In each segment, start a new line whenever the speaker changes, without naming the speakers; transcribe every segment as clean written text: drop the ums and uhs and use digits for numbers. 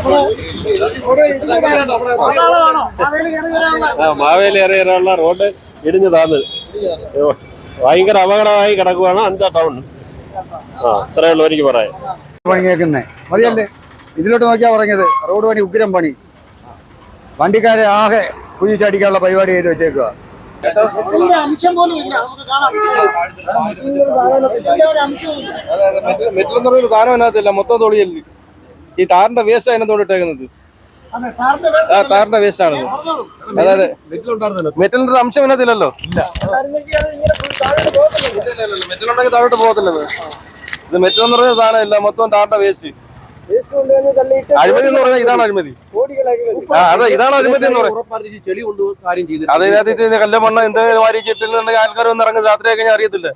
Maveli ഇറങ്ങിയുള്ള road ഇടിഞ്ഞു താന്ന് ഭയങ്കര അപകടമായി കിടക്കുവാണ് അന്ത ടൗൺ. അത്രേ ഉള്ളൂ എനിക്ക് പറയാം.
പണി കേൾക്കുന്നേ മതിയല്ലേ? ഇതിലോട്ട് നോക്കിയാ പറഞ്ഞത് റോഡ് പണി ഉഗ്രം പണി. വണ്ടിക്കാരെ ആകെ കുഴിച്ചടിക്കാനുള്ള പരിപാടി ചെയ്ത് വെച്ചേക്കുക.
മെറ്റലെന്ന് പറഞ്ഞൊരു സാധനം അതിനകത്തില്ല, മൊത്തം തൊടിയല്ലേ. ഈ ടാറിന്റെ വേസ്റ്റ് അതിനകത്തോട് ഇട്ടേക്കുന്നത്. ടാറിന്റെ വേസ്റ്റ് ആണ്. അതായത് മെറ്റലിന്റെ അംശം അതിനകത്തില്ലല്ലോ. മെറ്റലുണ്ടെങ്കിൽ താഴോട്ട് പോകത്തില്ലത്. ഇത് മെറ്റലെന്ന് പറഞ്ഞ സാധനം ഇല്ല, മൊത്തം ടാറിന്റെ വേസ്റ്റ്. അഴിമതി എന്ന് പറഞ്ഞാൽ ഇതാണ് അഴിമതി. അതെ, ഇതാണ് അഴിമതി എന്ന് പറയുന്നത്. അതിനകത്ത് കല്ല മണ്ണ എന്തെങ്കിലും വാരിച്ചിട്ടുണ്ടെങ്കിൽ ആൾക്കാർ വന്ന് ഇറങ്ങുന്നത് രാത്രിയൊക്കെ ഞാൻ അറിയത്തില്ല.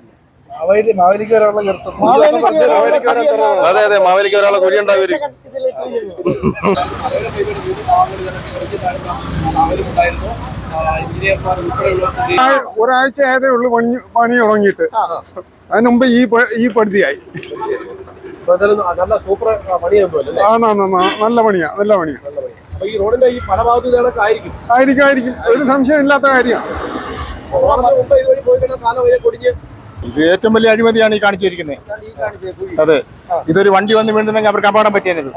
അതെ അതെ, മാവേലിക്ക് ഒരാളെ കുഴി ഉണ്ടാവും.
ഒരാഴ്ച ആയതേ ഉള്ളു പണി തുടങ്ങിയിട്ട്. അതിന് മുമ്പ് ഈ പടുതിയായി. നല്ല പണിയാ, നല്ല പണിയാ.
ഈ റോഡിന്റെ ഈ പല ഭാഗത്തും
ആയിരിക്കും, ഒരു സംശയം ഇല്ലാത്ത കാര്യമാണ്.
ഇത് ഏറ്റവും വലിയ അഴിമതിയാണ് ഈ കാണിച്ചിരിക്കുന്നത്. അതെ, ഇതൊരു വണ്ടി വന്ന് വീണ്ടുന്നെങ്കിൽ അവർക്ക് അപകടം പറ്റിയത്.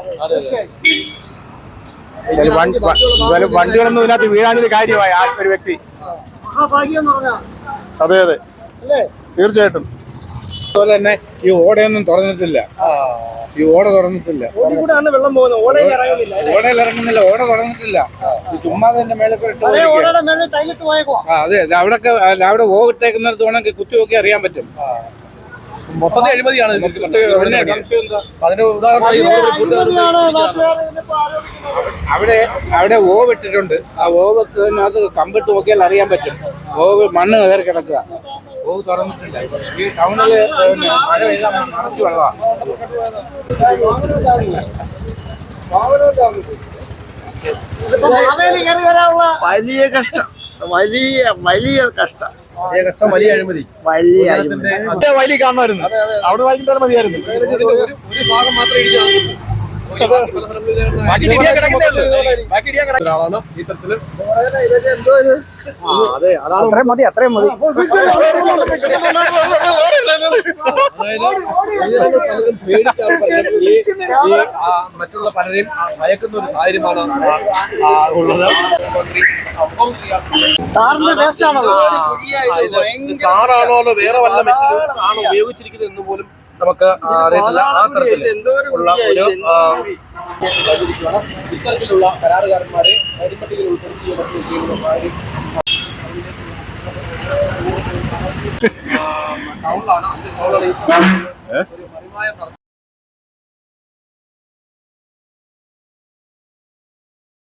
വണ്ടികളൊന്നും ഇതിനകത്ത് വീഴാഞ്ഞൊരു കാര്യമായ ഒരു വ്യക്തി. അതെ അതെ, തീർച്ചയായിട്ടും.
അതുപോലെ തന്നെ ഈ ഓടയൊന്നും തുറന്നിട്ടില്ല. ഈ ഓട തുറന്നിട്ടില്ല. ഓടയിൽ ഇറങ്ങുന്നില്ല, ഓട തുറന്നിട്ടില്ല. ചുമ്മാ തന്നെ മേലെ അതെ, അവിടെ ഓവിട്ടേക്കുന്നിടത്ത് വേണമെങ്കിൽ കുത്തി നോക്കി അറിയാൻ പറ്റും.
മൊത്തത്തിൽ അഴിമതിയാണ്. അതിന്
അവിടെ ഓവ് ഇട്ടിട്ടുണ്ട്. ആ ഓവത്തിനകത്ത് കമ്പിട്ട് നോക്കിയാൽ അറിയാൻ പറ്റും. ഓവ് മണ്ണ് കയറി കിടക്കുക. ഓവ് തുറന്നിട്ടില്ല. ഈ ടൗണില് മഴ പെയ്താൽ നിറച്ചു വെള്ളമാണ്.
വലിയ കഷ്ടം, വലിയ കഷ്ടം,
വലിയ അഴിമതി,
വലിയ കാണുമായിരുന്നു. അവിടെ വായിക്കിട്ടാൽ മതിയായിരുന്നു.
ഒരു ഭാഗം മാത്രമേ
അത്രയും മതി, അത്രയും മതി.
മറ്റുള്ള പലരെയും ഭയക്കുന്ന ഒരു സാഹചര്യമാണ് ഉള്ളത്. കാറാണോ വേറെ വല്ല മെറ്റീരിയൽ ഉപയോഗിച്ചിരിക്കുന്നത് എന്ന് പോലും നമുക്ക് അറിയത്തില്ല. ആ തരത്തിൽ ഉള്ള ഒരു ഇത്തരത്തിലുള്ള കരാറുകാരന്മാരെ കരിമ്പട്ടികയിൽ ഉൾപ്പെടുത്തി ചെയ്യുന്ന സാഹചര്യം ടൗണിലാണ്. അതിന്റെ